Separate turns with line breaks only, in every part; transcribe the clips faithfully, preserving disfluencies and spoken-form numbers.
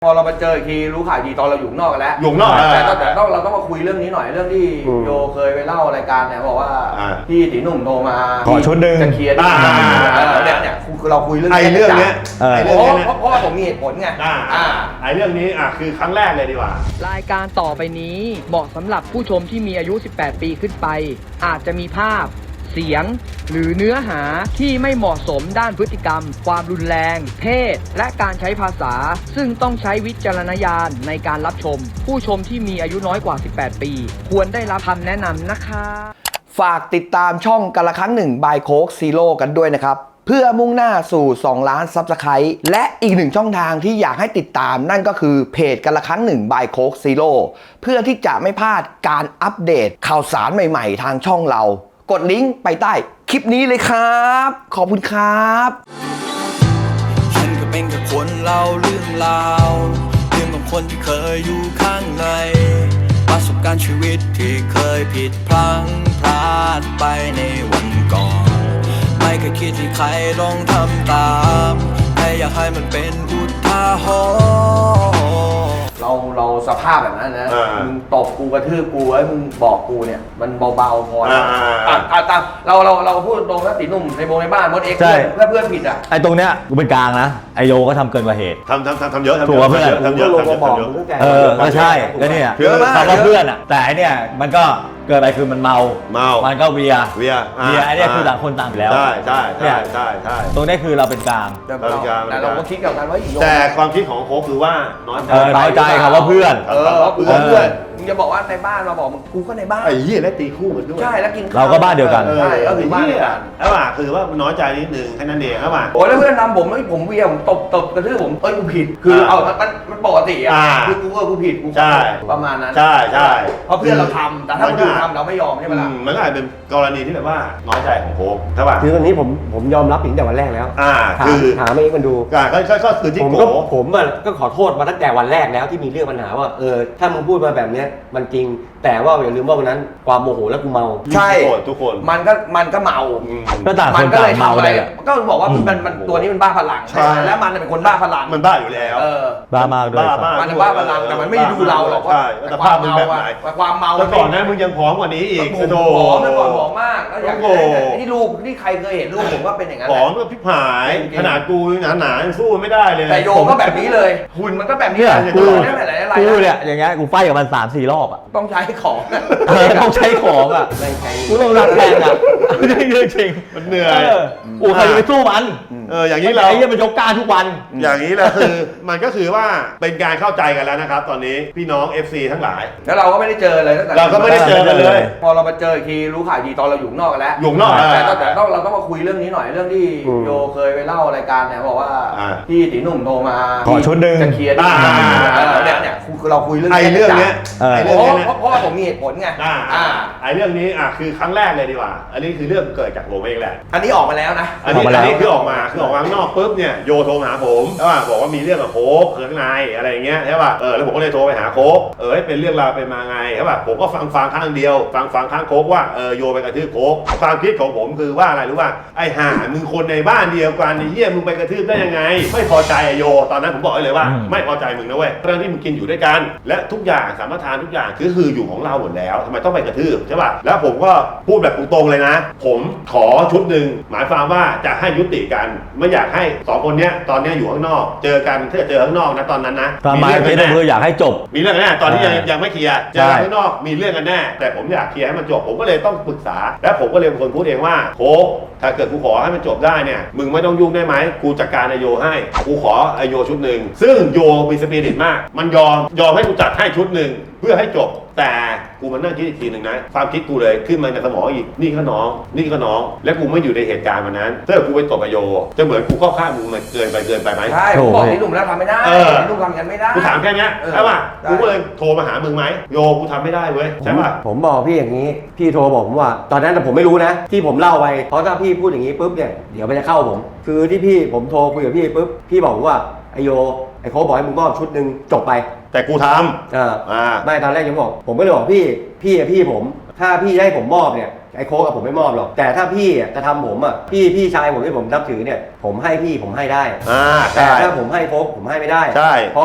พอเรามาเจออีกทีรู้ข่าวดีตอนเราอยู่นอกกันแล้ว
อยู่นอก
แต่แต่ต้องเราต้องมาคุยเรื่องนี้หน่อยเรื่องที่โยเคยไปเล่ารายการเนี่ยบอกว่าพี่ตีหนุ่มโทรมา
ขอชุดหนึ่ง
จะเคลียร์เนี่ยเนี่ยคือเราคุยเรื่อง
ไอ้เรื่องเนี้ย
เพราะเพราะว่าผมมีเหตุผลไง
อ่าไอ้เรื่องนี้อ่ะคือครั้งแรกเลยดีกว่าร
ายการต่อไปนี้เหมาะสำหรับผู้ชมที่มีอายุสิบแปดปีขึ้นไปอาจจะมีภาพเสียงหรือเนื้อหาที่ไม่เหมาะสมด้านพฤติกรรมความรุนแรงเพศและการใช้ภาษาซึ่งต้องใช้วิจารณญาณในการรับชมผู้ชมที่มีอายุน้อยกว่าสิบแปดปีควรได้รับคำแนะนำนะคะ
ฝากติดตามช่องกันละครั้งหนึ่งบายโค้กซีโร่กันด้วยนะครับเพื่อมุ่งหน้าสู่สองล้านซับสไครต์และอีกหนึ่งช่องทางที่อยากให้ติดตามนั่นก็คือเพจกันละครั้งหนึ่งบายโค้กซีโร่เพื่อที่จะไม่พลาดการอัปเดตข่าวสารใหม่ๆทางช่องเรากดลิงก์ไปใต้คลิปนี้เลยครับขอบคุณครับ
ฉันก็เป็นแค่คนเล่าเรื่องราวเรื่องของคนที่เคยอยู่ข้างในประสบการณ์ชีวิตที่เคยผิดพลั้งพลาดไปในวันก่อนไม่เคยคิดที่ใครลองทำตามแค่อยากให้มันเป็นอุทาหรณ์
เราเราสภาพแบบนั้นนะมึงตบกูกระทืบกูไอ้มึงบอกกูเนี่ยมันเบาๆพอนะอ่ะตามเราเราเราพูดตรงนะตีหนุ่มในโมในบ้านมดเอ็กซ์เพื่อนเพื่อนผิดอ่ะ
ไอ้ตรงเนี้ยกูเป็นกลางนะไอโยก็ทำเกินกว่าเหตุ
ทำทำทำทำเยอะ
ถูกป่ะเพื่อน
ทำเยอะทำเยอะทำเยอะ
เออก็ใช่ก็เนี่ยทำกับเพื่อนอ่ะแต่ไอเนี่ยมันก็เกิดอะไรคือมันเมา
เมา
มันก็เวีย
เวีย
เวียไอเนี่ยคือต่างคนต่างอยู่แล้ว
ใช่ใช่ใช่ใช่ใช่
ตรงนี้คือเราเป็นกลาง
แต่เราก็คิดกับกันว่า
แต่ความคิดของโค้ชคือว่าน้อยใจ
น้อยใจครับว่าเพื่อน
เออเพื่อนเพื่อนมึงจะบอกว่าในบ้านเราบอกมึงกูก็ในบ้าน
ไอ้เหี้ยและตีคู่กันด้วย
ใช่แล้วกิน
เราก็บ้านเดียวกัน
ใช่ก็คือบ้านเดียวกัน
แล้วอ่ะคือว่ามันน้อยใจนิดนึงแค่นั้นเองครับอ่ะ
โอ้แล้วเพื่อนทำผมแล้วผมเวียผมตบตบกระทืบผมเอ้ยกูผิดคือเอามันมันปกติอ่ะคือกูก็กูผิดกูประมาณนั้น
ใช่ใช่
เพราะเพื่อนเราทำแต่ถ้าคนอื่นทำเราไม่ยอมใช่ไหมล่ะ
มันก็อาจเป็นกรณีที่แบบว่าน้อยใจของโค้ชใช่ป่ะ
คือตอนนี้ผมผมยอมรับตั้งแต่วันแรกแล้ว
อ่า
คือถามเองมันดู
ก็ก็ก็คือที่
ผมก็ผมอ่ะก็ขอโทษมาตั้งแต่วันแรกแล้วที่มีเรื่องปัญหาว่าเออถ้ามึงพูดมาแบบเนี้ยมันจริงแต่ว่าอย่าลืมว่าวันนั้นความโมโหแล้วกูเมา
ใช่
ทุกคน
มันก็มันก็เมา
ก็ต่างคนต่างเมาเลย
ก็บอกว่ามันมันตัวนี้มันบ้าพลังแล้วมันเป็นคนบ้าพลัง
มันบ้าอยู่แล้ว
บ้ามากด้วย
มันบ้าพลังแต่มันไม่ดูเราหรอกว่าความเมาความเมา
แล้วก่อนนั้นมึงยังผอมกว่านี้อีก
โอ้โหเมื่อก่อนผอมมากแล้วอย่างที่รูปที่ใครเคยเห็นรูปผมว่าเป็นอย่างนั้น
ผอมก็พิพายขนาดกูหนาหนาสู้ไม่ได้เลย
แต่โยก็แบบนี้เลยหุ่นมันก็แบบนี้
กูกูเนี่ยอย่างเงี้ยกูไฟกับมันสามสี่รอบอ่ะ
ต้องใช้ของ
ต้องใช้ของอ่ะกูต้องรักแรงอ่ะจริงจริง
มันเหนื่อย
โอ้ใครจะไปสู้มัน
เอออย่างนี้เรา
ไอ้เนี่ยมันยกกล้าทุกวัน
อย่างนี้แหละคือมันก็คือว่าเป็นการเข้าใจกันแล้วนะครับตอนนี้พี่น้อง เอฟ ซี ทั้งหลาย
แล้วเราก็ไม่ได้เจอเลย
เราก็ไม่ได้เจอกันเลย
พอเรามาเจออีกทีรู้ข่าวดีตอนเราอยู่นอกกันแล้ว
อยู่นอก
แต่แต่ต้องเราต้องมาคุยเรื่องนี้หน่อยเรื่องที่โยเคยไปเล่ารายการเนี่ยบอกว่าพี่ตีหนุ่มโทรมา
ขอชุดหนึ่ง
จะเคลียร์เนี่ยเนี่ยคือเราคุยเรื่อง
ไอ้เรื่องเนี้ย
เพราะเพราะว่าผมมีเหตุผลไง
ไอ้เรื่องนี้อ่ะคือครั้งแรกเลยดีกว่าอันนี้คือเรื่องเกิดจากผมเองแหละ
อันนี้ออกมาแล้วนะ
อันนี้อันนี้คือออกมาคือออกมาข้างนอกปุ๊บเนี่ยโยโทรมาหาผมใช่ป่ะบอกว่ามีเรื่องกับโค้กข้างในอะไรอย่างเงี้ยใช่ป่ะเออแล้วผมก็เลยโทรไปหาโค้กเออเป็นเรื่องราวเป็นมาไงใช่ป่ะผมก็ฟังฟังข้างเดียวฟังฟังข้างโค้กว่าเออโยไปกระทืบโค้กความคิดของผมคือว่าอะไรรู้ป่ะไอ้ห่ามึงคนในบ้านเดียวกันไอ้เหี้ยมึงไปกระทืบได้ยังไงไม่พอใจโยตอนนั้นผมบอกเลยว่าไม่พอใจมึงนะเว้ยเรื่องที่มึงกินอยู่ด้วยกันและทุกอย่างสามารถทานทุกอย่างคือคืออยู่ของเราหมดแล้วทำไมต้องไปกระทืบใช่ป่ะแล้วผมก็พูดแบบตรงๆเลยนะผมขอชุดหนึ่งหมายความว่าจะให้ยุติกันไม่อยากให้สองคนเนี้ยตอนนี้อยู่ข้างนอกเจอกันถ้าเจอข้างนอกนะตอนนั้นนะ
มีเรื่องกันแน่คืออยากให้จบ
มีเรื่องกันแน่ตอนที่ยังยังไม่เคลียร์เจอข้างนอกมีเรื่องกันแน่แต่ผมอยากเคลียร์ให้มันจบผมก็เลยต้องปรึกษาและผมก็เลยเป็นคนพูดเองว่าโค้กถ้าเกิดกูขอให้มันจบได้เนี่ยมึงไม่ต้องยุ่งได้ไหมกูจัดการไอโยให้กูขอไอโยชุดหนึ่งซึ่งโยมีสปิริตมากมันยอมยอมให้กูจัดให้ชุดหนึ่งเพื่อให้จบแต่กูมานั่งคิดอีกทีหนึ่งนะความคิดกูเลยขึ้นมาในสมองอีกนี่ก็น้องนี่ก็น้องและกูไม่อยู่ในเหตุการณ์วันนั้นถ้ากูไปตบไอโยจะเหมือนกูเข้าข้างมึงมันเกินไปเกินไปไหม
ใช่ผมบอกที่หนุ่มแล้วทำไม่ได้ที่หนุ่มทำกันไม่ได้
กูถามแค่นี้ใช่ป่ะกูก็เลยโทรมาหามึงไหมโยกูทำไม่ได้เว้ยใช่ป่ะ
ผมบอกพี่อย่างนี้พี่โทรบอกผมว่าตอนนั้นผมไม่รู้นะที่ผมเล่าไปเพราะถ้าพี่พูดอย่างนี้ปุ๊บเนี่ยเดี๋ยวมันจะเข้าผมคือที่พี่ผมโทรคุยกับพี่ปุ๊บพี่บอกว่าไอโยไอโค้ชบอกให้มึงมอบชุดหนึ่งจบไป
แต่กูทำ
อ่าไม่ตอนแรกยังบอกผมก็เลยบอกพี่พี่พี่ผมถ้าพี่ให้ผมมอบเนี่ยไอ้โค้กกับผมไม่มอบหรอกแต่ถ้าพี่จะทำผมอ่ะพี่พี่ชายผมที่ผมนับถือเนี่ยผมให้พี่ผมให้ได้
อ่า
แต่ถ้าผมให้โค้กผมให้ไม่ได้
ใช่
เพราะ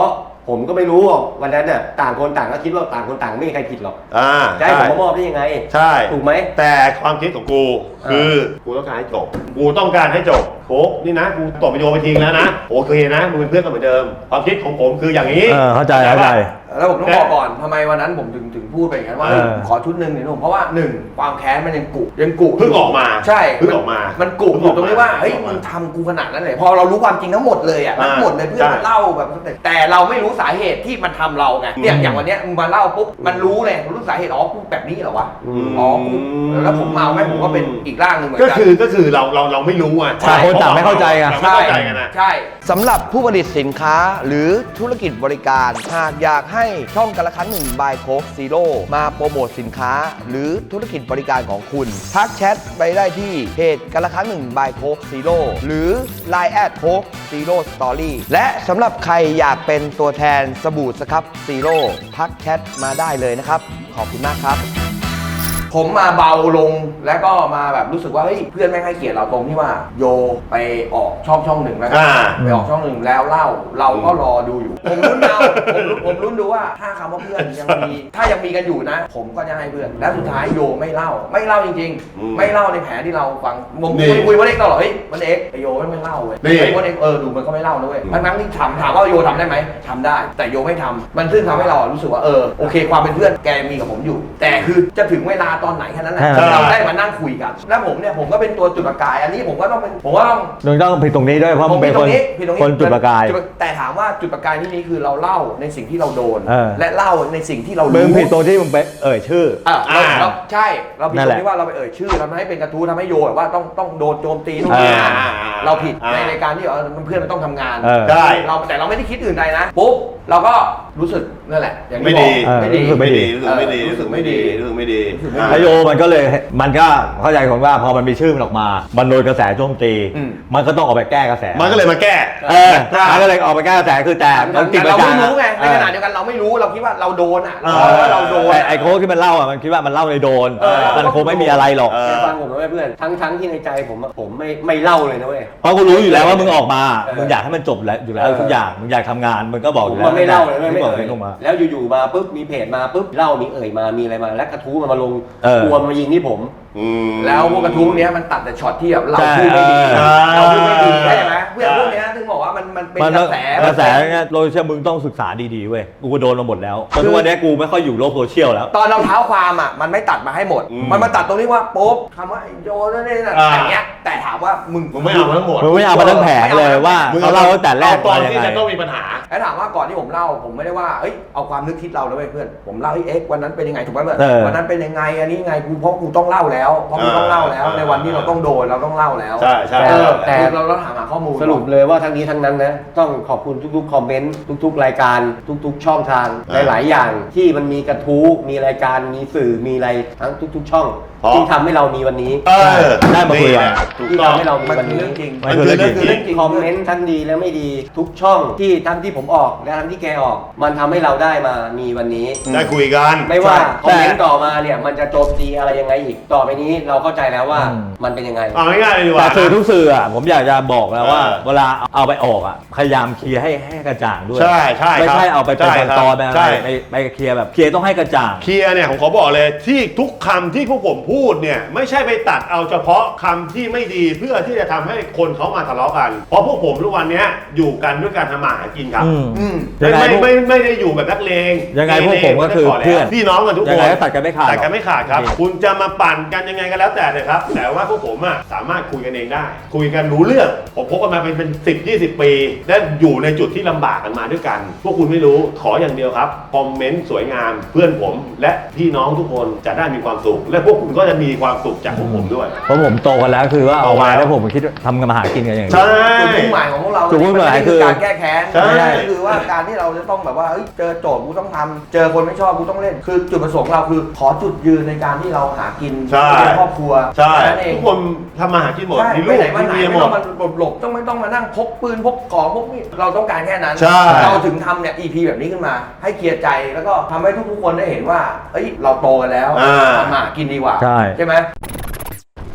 ผมก็ไม่รู้หรอกวันนั้นน่ะต่างคนต่างก็คิดว่าต่างคนต่างไม่มีใครผิดหรอก
อ่า
จะให้ผมมามอบได้ยังไง
ใช่
ถูกไหม
แต่ความคิดของกูคือกูต้องการให้จบกูต้องการให้จบโอ้นี่นะกูตบไปโยไปทิ้งแล้วนะโอเคนะมึงเป็นเพื่อนกันเหมือนเดิมความคิดของผมคืออย่างนี้
เออเข้าใจเข้าใจ
แล้วผมต้องบอกก่อนทำไมวันนั้นผมถึงถึงพูดไปอย่างนั้นว่า
เออ
ขอชุดหนึ่งหนึ่งผมเพราะว่าหนึ่งความแค้นมันยังกุยังกุ
เพิ่งออกมา
ใช่
เพิ่งออกมา
มันกุอยู่ตรงนี้ว่าเฮ้ย
เพิ่งออกมา
มึงทำกูขนาดนั้นเลยพอเรารู้ความจริงทั้งหมดเลยอ่ะ
อ่า
ทั้งหมดเลยเพื่อน
ใช่
มันเล่าแบบแต่เราไม่รู้สาเหตุที่มันทำเราไงเนี่ย
อืม
อย่างวันเนี้ยมึงมาเล่าปุ๊บมันรู้เลยรู้สาเหตุอ๋อกูแบบนี้เหรอวะ
อืม
อ๋อกูแล้วผมเมาไหมผมก็เป็นอีกร่างหนึ่งเหมือน
ก็
กัน
คือก็คือเราเราเราไม่รู้อ่ะ
ต่างคนต่างไม่เข้าใจไง
เราไม่เข้าใจกันนะ
ใช่
สำหรับผู้ผลิตสินค้าหรือธุรกิจบริการ หากอยากให้ช่องกันละครั้งหนึ่งบายโค้กซีโร่มาโปรโมทสินค้า หรือธุรกิจบริการของคุณ ทักแชทไปได้ที่เพจกันละครั้งหนึ่งบายโค้กซีโร่หรือ ไลน์ แอทโค้กซีโร่สตอรี่และสำหรับใครอยากเป็นตัวแทนสบู่สครับซีโร่ทักแชทมาได้เลยนะครับ ขอบคุณมากครับ
ผมมาเบาลงแล้วก็มาแบบรู้สึกว่าเฮ้ยเพื่อนไม่ให้เกียรติเราตรงที่ว่าโยไปออกช่องช่องหนึ่งแล้วกัน
อ่า
ไปออกช่องหนึ่งแล้วเล่าเราก็รอดูอยู่ ผมรุ้นเอาผมรุ้นผมรุ้นดูว่าถ้าคำว่าเพื่อนยังมีถ้ายังมีกันอยู่นะ ผมก็จะให้เพื่อนแล้วสุดท้ายโยไม่เล่า ไม่เล่าจริง
อืม
ๆ ไม่เล่าในแผนที่เราฟังผม
นี่
คุยคุยวันเอกตลอดเฮ้ยวันเอกไอโยไม่เล่าเว้ย
นี่
ไอวันเอกเออดูมันก็ไม่เล่านะเว้ยทั้งนั้นที่ถามถามว่าโยทำได้ไหมทำได้ แต่โยไม่ทำมันซึ่งทำให้เรารู้สึกว่าเออโอเคความเป็นเพื่อนแกมีกับผมอยู่ แต่คือจะถึงเวลาตอนไหนแค่นั้นแหละ
ใช่
เราได้มานั่งคุยกัน แล้วผมเนี่ยผมก็เป็นตัวจุดประกาย อันนี้ผมก็ต้องเป็นผมก็ต้อง
มึงต้องผิดตรงนี้ด้วยเพราะมึงเป็นคน
ผิดตรงนี้
คนจุดประกาย
จุแต่ถามว่าจุดประกายที่นี้คือเราเล่าในสิ่งที่เราโดน
เออ
และเล่าในสิ่งที่เรา
มึ
รู้
งผิดตรงที่มึงไปเอ่ยชื่อ
อ่ะเรา
อ่า
เราใช่เราผิด
นั่น
ต
แห
ร
ละ
งที่ว่าเราไปเอ่ยชื่อทำให้เป็นกระทู้ทำให้โยแบบว่าต้องต้องโดนโจมตีนู่นนี่นั่น
อ่า
เราผิด
อ่า
ในในการที่เออเพื่อนมันต้องทำงาน
เออ
ได้
เราแต่เราไม่ได้คิดอื่นใดนะปุ๊บเราก็รู้สึกนั่นแหละอย่าง
ไม่
ที่บ
ดี
อกไม่ดี
เออ
ไม่ดีรู้สึกไม่ดี
เออ
รู้สึกไม่ดีรู้สึกไม่ดี
รู้สึกไม่ดี
อ่า
แล้วโยมันก็เลยมันก็เข้าใจผมว่าพอมันมีชื่อมันออกมา มันโดนกระแสโจมตี
อืม
มันก็ต้องออกไปแก้กระแส
มันก็เลยมาแก้
เออมันก็เลยออกไปแก้กระแสคือแต่มันติด
แต่
ประ
เรา
จา
ไม่
น
รู้ไงในขณะ
เออ
เดียวกันเราไม่รู้เราคิดว่าเราโดนอ่ะ
เออ
เราเราโดน
แต่ไอ้โค้ชที่มันเล่าอ่ะมันคิดว่ามันเล่าในโดน
เออ
มันคงไม่มีอะไรหรอก
เออ
ฟังผมนะเว้ยเพื่อนทั้งทั้งที่ในใจผมอะผมไม่ไม่เล่าเลยนะเว้ย
เพราะกูรู้อยู่แล้วว่ามึงออกมา
เออ
มึงอยากให้มันจบแล้วอยู่แล้ว
เออ
ทุกอย่าง มึงอยากทำงาน มึงก็บอก
ผ
อ
ม
ยู่แล้ว
มันไม่เล่าเลยไม่
ไม่
ไม่
บอก
เอ่ย
ให้ลงมา
แล้วอยู่ๆมาปุ๊บมีเพจมาปุ๊บเล่ามีเอ่ยมามีอะไรมาแล้วกระทู้มันมาลง
เออ
กลัวมันมายิงที่ผม
อืม
แล้วพวกกระทู้พวกเนี้ยมันตัดแต่ช็อตที่แบบเรา
ใช่
พูดไม่ดี
เออ
เราพูดไม่ดีใช่ไหมเพื่อนพวกเนี้ยถึงบอกว่ามันมันเป็น
มัน
กระแส
กระแสเนี่ยโซเชียลมึงต้องศึกษาดีๆเว้ย กูก็โดนมาหมดแล้วตอนทุกวันนี้กูไม่ค่อยอยู่โลกโซเชียลแล้ว
ตอนเราเท้าความอ่ะมันไม่ตัดมาให้หมด
อืม
มันมาตัดตรงนี้ว่าปุ๊บคำว่าไอ้โยนนั่นนี่นั่น
อ่า
อย่างเงี้ยแต่ถามว่ามึง
มึงไม่เอามาทั้งหมด
มึงไม่เอามาทั้งแผงเลยว่า
มึง
เขาเล่าตั้งแต่แรก
เอาตอ
มาน ยัง
ที่
ไง
จะต้องมีปัญหา
แล้วถามว่าก่อนที่ผมเล่าผมไม่ได้ว่าเอ้ยเอาความนึกคิดเราเลยเว้ยเพื่อนผมเล่าให้เอ็กซ์วันนั้นเป็นยังไงถูกไหมเพื่อน
เออ
วันนั้นเป็นยังไงอันนี้ไงกูเพราะกูต้องเล่าแล้วเพราะกูต้องเล่าแล้ว
อ่า
ในวันที่เราต้องโดนเราต้องเล่าแล้ว
ใช่ใช่
เออ
แต่
แต่เราเราถามหาข้อมูล
สรุปเลยว่าทั้งนี้ทั้งนั้นนะต้องขอบคุณทุกๆคอมเมนต์ทุกๆ รายการทุกๆ ช่องทาง
อ่า
หลายๆอย่างที่มันมีกระทู้มีรายการมีสื่อมีอะไรทั้งทุกๆ ช่อง
เพราะ
ที่ทำให้เรามีวันนี้
เออ
ได้มาคุยกัน
นี่แหละถูก
ที่
ต้อง
ทำให้เรามี
มัน
วัน
คือ
นี้
เรื่องจริง
มันคือเรื่องจริง
เรื่องจริง
คอมเมนต์ทั้งดีและไม่ดีทุกช่องที่ทั้งที่ผมออกและทั้งที่แกออก มันทำให้เราได้มามีวันนี้
ได้คุยกัน
ไม่ว่า
ใช่
คอมเมนต์ต่อมาเนี่ยมันจะโจมตีอะไรยังไงอีกต่อไปนี้เราเข้าใจแล้วว่า
อืม
มันเป็นยังไง
เอาง่ายๆเลยดีก
แต่
ว่า
สื่อทุกสื่ออ่ะผมอยากจะบอกแล้วว่า
เออ
เวลาเอาไปออกอ่ะพยายามเคลียร์ให้ให้กระจ่างด้วย
ใช่ใช่
ไม่
ครับ
ใช่เอาไปเป็น
ใช่ครับ
ตอนๆไปอะไร
ใช่
ไปไปเคลียร์แบบเคลียร์ต้องให้กระจ่าง
เคลียร์เนี่ยผมขอบอกเลยที่ทุกคำที่พวกผมพูดเนี่ยไม่ใช่ไปตัดเอาเฉพาะคำที่ไม่ดีเพื่อที่จะทำให้คนเขามาทะเลาะกัน เพราะพวกผมทุกวันเนี้ยอยู่กันด้วยการทำมาหากินครับ
อืม
อืม
ยังไง
ไม่
พวก
ไม่ไม่ไม่ได้อยู่แบบนักเลง
ยังไงพวกผมก็คือ
ไม่ได้
เพื่อน
พี่น้องกันทุกคน
ยังไงก็ตัดกันไม่ขาด
ตัดกันไม่ขาดครับ
จริง
คุณจะมาปั่นกันยังไงก็แล้วแต่เลยครับ แต่ว่าพวกผมอ่ะสามารถคุยกันเองได้ คุยกันรู้เรื่องผมพบกันมาเป็นเป็นสิบยี่สิบปีและอยู่ในจุดที่ลำบากกันมาด้วยกัน พวกคุณไม่รู้ขออย่างเดียวครับคอมเมนต์สวยงามเพื่อนผมและพี่น้องทุกคนจะได้มีความสุข และพวกคุณก็จะมีความสุขจากพวกผมด้วย
เพราะผมโตกันแล้วคือว่าออกมา
โตแล้ว
แล้วผมคิดว่าทำกันมาหากินกันอย่างนี้
ใช่
จุดมุ่งหมายของพวกเรา
จุดมุ่งหมายคือ
การแก้แค้น
ใช่
ก็คือว่าการที่เราจะต้องแบบว่าเอ้ยเจอโจทย์กูต้องทำเจอคนไม่ชอบกูต้องเล่น คือจุดประสงค์เราคือขอจุดยืนในการที่เราหากิน
ใช่
เลี้ยงครอบครัว
ใช่
แค่นั้นเอง
ทุกคนทำมาหากินหมด
ใช่
มีลู
ไม่
ก
ไหนมา
มี
ไหน
เมียห
ไม่
ม
ต้อ
ด
งมาหลบๆต้องไม่ต้องมานั่งพกปืนพกของพกมีดเราต้องการแค่นั้น
ใช่
เราถึงทำเนี่ย อี พี แบบนี้ขึ้นมา ให้เคลียร์ใจแล้วก็ทำให้ทุกๆคนได้เห็นว่าเอ้ยเราโตกันแล้ว
อ่า
ทำมาหากินดีกว่า
ใช่
ใช่ไหม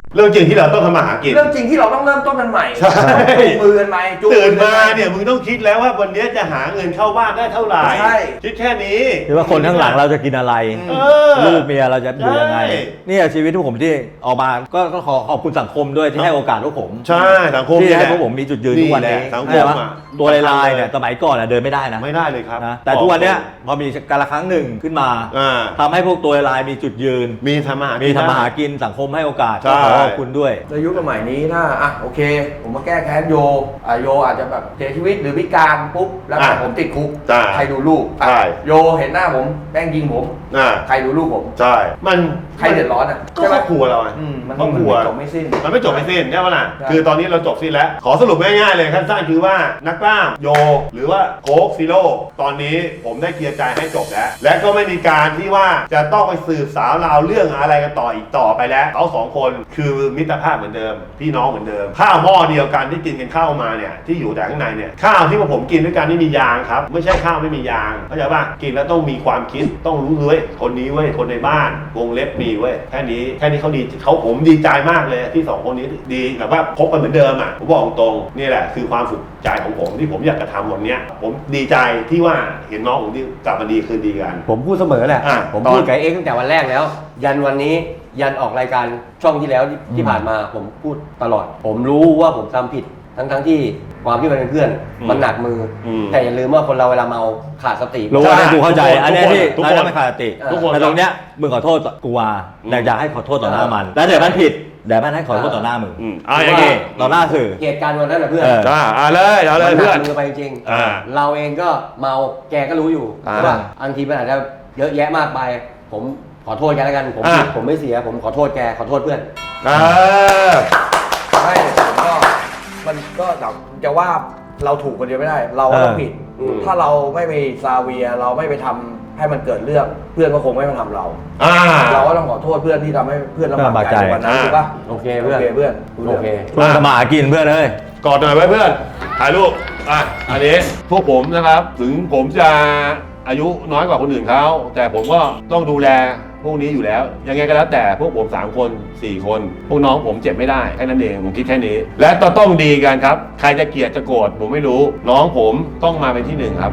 เรื่องจริงที่เราต้องทำมาหากิน
เรื่องจริงที่เราต้องเริ่มต้นกันใหม่
ใช่
จูงมือกันใหม่จูง
ตื่น
กั
มา
ให
เนี่ยมึงต้องคิดแล้วว่าวันนี้จะหาเงินเข้าบ้านได้เท่าไหร่
ใช่
คิดแค่นี้
คือว่าคนข้างหลังเราจะกินอะไร
เออ
ลูกเมียเราจะอยู่ยังไง
ใช่
เนี่ยชีวิตที่ผมที่ออกมาก็ก็ขอขอบคุณสังคมด้วยที่ให้โอกาสพวกผม
ใช่สังคม
ที่
นี่
ให้
แห
พว
ละ
กผมมีจุดยืนทุกวันนี้
นี่แหละสังคม
ใช่ปะ
อะ
ตัวลายๆเนี่ยสมัยก่อนอะเดินไม่ได้นะ
ไม่ได้เลยครับ
นะแต่ทุกวันเนี้ยพอมีการละครั้งหนึ่งขึ้นมา
อ่า
ทำให้พวกตัวลายมีจุดยืน
มีทำมาหา
มี
กิน
ทำมาหา
ได้
กินสังคมให้โอกาส
ใช่
ก็ขอขอบคุณด้วย
ในยุคสมัยนี้ถ้าอ่ะโอเค ผมมาแก้แค้นโยอ่ะโยอาจจะแบบเสียชีวิตหรือพิการปุ๊บแล้ว
อ่ะ
ผมติดคุก
ใช่
ใครดูลูกอ่ะ
ใช่
โยเห็นหน้าผมแป้งยิงผม
อ่า
ใครดูลูกผม
ใช่ มัน
ใครเดือดร้อนอ่ะ
ก็ครอบครัวเราไง
อืมมัน
ครอบครัว
มันไม่จบไม่สิ้น
มันไม่จบไม่สิ้นใช่ไหมล่ะ
ใช่
คือตอนนี้เราจบสิ้นแล้ว ขอสรุปง่ายๆเลยสั้นๆคือว่านักกล้ามโย หรือว่าโค้กซีโร่ตอนนี้ผมได้เคลียร์ใจให้จบแล้ว และก็ไม่มีการที่ว่าจะต้องไปสืบสาวราวเรื่องอะไรกันต่ออีกต่อไปแล้วเขาสองคนคือมิตรภาพเหมือนเดิม พี่น้องเหมือนเดิม ข้าวหม้อเดียวกันที่กินกันข้าวมาเนี่ยที่อยู่แต่ข้างในเนี่ยข้าวที่พวกผมกินด้วยกันไม่มียางครับไม่ใช่ข้าวไม่มียางเข้าใจป่ะกินแล้วต้องมีความคิดต้องรู้เลยคนนี้เว้ยคนในบ้านวงเล็บมีเว้ยแค่นี้แค่นี้เขาดีเขาผมดีใจมากเลยที่สองคนนี้ดีแบบว่าคบกันเหมือนเดิมอ่ะผมบอกตรงๆนี่แหละคือความสุขใจของผมที่ผมอยากจะทำวันเนี้ยผมดีใจที่ว่าเห็นน้องผมที่กลับมาดีคืนดีกัน
ผมพูดเสมอแหละ
อ่ะ
ผม
ตอน
พูดกับเอ็กซ์ตั้งแต่วันแรกแล้ว ยันวันนี้ยันออกรายการช่องที่แล้วที่ที่ผ่านมาผมพูดตลอด ผมรู้ว่าผมทำผิด ทั้งทั้งๆที่ความที่มันเป็นเพื่อน
อืม
มันหนักมืออ
ม
แต่อย่าลืมว่าคนเราเวลาเมาขาดสติ
รู้ว่าเนี่ยกูเข้าใจ
ทุกคน
อันเนี้ยที่
ทุกคน
แล้วไม่ขาดสติ
ทุกคน
แต่ตรงเนี้ยมึงขอโทษกูว่า
อืม
แต่อยากให้ขอโทษต่อหน้ามัน แล้วเดี๋ยวมันผิดเดี๋ยวมันให้ขอโทษต่อหน้ามึง
อืมอ่าอย่างนี้
ต่อหน้าสื่อ
เหตุการณ์วันนั้นนะเพื่อน
เออ
อ่าอ่าเลยเอาเลย
มันห
เพื่
นั
อน
กมือไปจริง
อ่า
เราเองก็เมาแกก็รู้อยู่
อ่า
ใช่ป่ะอันทีมันอาจจะเยอะแยะมากไป ผมขอโทษแกแล้วกันผม
อ่า
ผิดผมไม่เสียผมขอโทษแกขอโทษเพื่อน
อ่า
ไม่ผมก็มันก็แบบจะว่าเราถูกคนเดียวไม่ได้ เราก็ต้องผิด
อืม
ถ้าเราไม่ไปซาเวียเราไม่ไปทำให้มันเกิดเรื่องเพื่อนก็คงไม่มาทำเรา
อ่า
เราก็ต้องขอโทษเพื่อนที่ทำให้เพื่อนลำบากใจในวันนั้น
อ่า
ถูกปะ
โอเคเพื่อน
โอเคเพื่อน
โอเค
เพื่อนสมาหากินเพื่อนเอ้ย
กอดหน่อยไว้เพื่อนถ่ายรูปอ่ะอันนี้พวกผมนะครับ ถึงผมจะอายุน้อยกว่าคนอื่นเขาแต่ผมก็ต้องดูแลพวกนี้อยู่แล้ว ยังไงก็แล้วแต่พวกผมสามคนสี่คน พวกน้องผมเจ็บไม่ได้แค่นั้นเองผมคิดแค่นี้ และต้องต้องดีกันครับ ใครจะเกลียดจะโกรธผมไม่รู้ น้องผมต้องมาเป็นที่หนึ่งครับ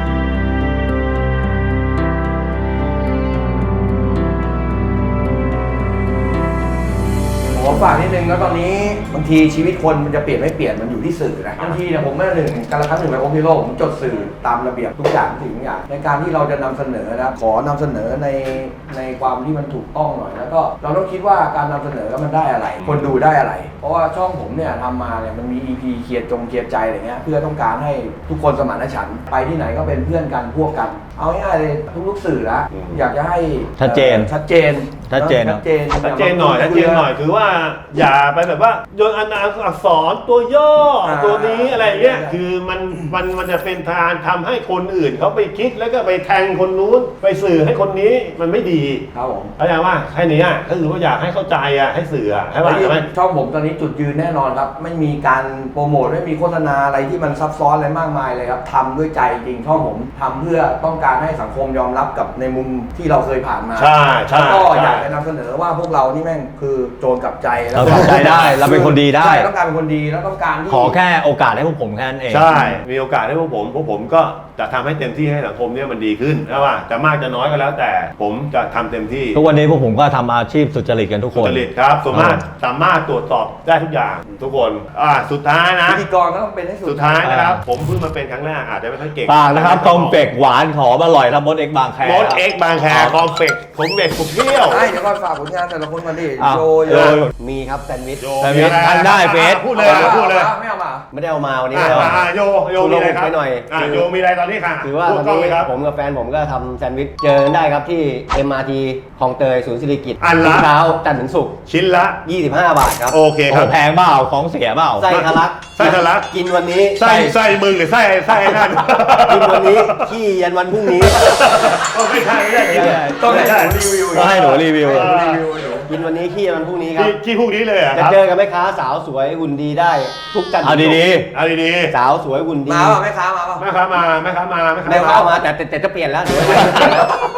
ผมฝากนิดนึงแล้วตอนนี้บางทีชีวิตคนมันจะเปลี่ยนไม่เปลี่ยนมันอยู่ที่สื่อนะบางทีเนี่ยผมเมื่อหนึ่งการละครั้งหนึ่งไปโอพิโลผมจดสื่อตามระเบียบทุกอย่างสิ่งทุกอย่างในการที่เราจะนำเสนอนะขอนำเสนอในในความที่มันถูกต้องหน่อยแล้วก็เราต้องคิดว่าการนำเสนอมันได้อะไร คนดูได้อะไร เพราะว่าช่องผมเนี่ยทำมาเนี่ยมันมี อี พี เคลียร์จงเคลียร์ใจอะไรเงี้ยเพื่อต้องการให้ทุกคนสมานฉันท์ไปที่ไหนก็เป็นเพื่อนกันพวกกัน เอาง่ายๆเลยทุกๆสื่อละอยากจะให้
ชัดเจน
ชัดเจน
ชัดเจนเนอะ
ชัดเจน
ชัดเจนหน่อยชัดเจนหน่อยคือว่าอย่าไปแบบว่าโยนอนามอักษรตัวย่ออา ตัวนี้อะไรเงี้ย
ใช่
คือมันมันมันจะเป็นทางทำให้คนอื่นเขาไปคิดแล้วก็ไปแทงคนนู้นไปสื่อให้คนนี้มันไม่ดี
ครับผม
เข้าใจว่าแค่นี้อ่ะก็คือว่าอยากให้เข้าใจอ่ะให้สื่ออ่ะใช่ป่ะใช่ไหม
ช่องผมตอนนี้จุดยืนแน่นอนครับ ไม่มีการโปรโมทไม่มีโฆษณาอะไรที่มันซับซ้อนอะไรมากมายเลยครับทำด้วยใจจริงช่องผมทำเพื่อต้องการให้สังคมยอมรับกับในมุมที่เราเคยผ่านมา
ใช่ใช่
แล้วก็
ใช่
อยากจะนำเสนอว่าพวกเรานี่แม่งคือโจรกลับใจแล้ว
เรากลับใจได้เราเป็นคนดีได้
ใช่ต้องการเป็นคนดีแล้วต้องการที่
ขอแค่โอกาสให้พวกผมแค่นั้นเอง
ใช่ มีโอกาสให้พวกผม พวกผมก็จะทำให้เต็มที่ให้สังคมเนี่ยมันดีขึ้นนะว่าจะมากจะน้อยก็แล้วแต่ ผมจะทำเต็มที่
ทุกวันนี้พวกผมก็ทำอาชีพสุจริตกันทุกค
สุ
น
จริตครับสามารถสามารถตรวจสอบได้ทุกอย่างทุกคน อ่า สุดท้ายนะ
พิธีกรก็ต้องเป็นให้สุด
สุดท้ายนะครับ ผมเพิ่งมาเป็นครั้งแรกอาจจะไม่ค่อยเก่ง
ฝากนะครับคอมเฟกหวานหอมอร่อยทำมดเอ็กบางแค
มดเอ็กบางแคคอมเฟกผมเด็กผมเที่ยว
ใช่เดี๋ยวก่อนฝากผลงานแต่ละคนมาดิ
อ้าว
โจโย
โย
มีครับแซนด์วิช
โย
แต่มีทันได้เฟซ
พูดเลยพูดเลย
ไม่เอามา
ไม่ได้เอามาวันนี้
อ่า
ไม่ได้เอามา
อ่าโยโยมีอะไรครับ
ไปหน่อย
อ่าโยมีอะไรตอนนี้ค่ะ
คือว่า
พู
ต
ด
อน
กล้อง
นี้
เลยครับ
ผมกับแฟนผมก็ทำแซนด์วิชเจอกันได้ครับที่ เอ็ม อาร์ ที คลองเตยศูนย์สิริกิติ์
อันละ
ทุกเช้าจันทร์ถึงศุกร์
ชิ้นละ
ยี่สิบห้า บาทครับ
โอเค
โอ้
ค
โห
รับ
แพงเปล่าของเสียเปล่า
ไส้ทะลัก
ไส้ทะลัก
กินวันนี้
ไส้ไส้มึงหรือไส้ไส้ไอ้นั่น
กินวันนี้ขี้ยันวันพรุ่งนี้
โอ้ไม่ใช่ไม่ใช่กิน
ต้องให้
ไม่ใช่
หนูรีวิว
ก็ให้หนูรีวิว
หนูรีวิวให้หนู
กินวันนี้ขี้ยันวันพรุ่งนี้ครับ
ที่ที่พวกนี้เลยเหรอ่ะค
จะ
รับ
เจอกับแม่ค้าสาวสวยหุ่นดีได้ทุกจันทร์
เอา
ถึงศุกร์
ดี
เอาดี
สาวสวยหุ่นดี
มาเปล่าแม่ค้ามาเปล่า
ๆแม่ค้ามาแม่ค้ามาแม่ค้า
แม่
มา
ค้ามาแต่แต่แต่จะเปลี่ยนแล้วเดี๋ยว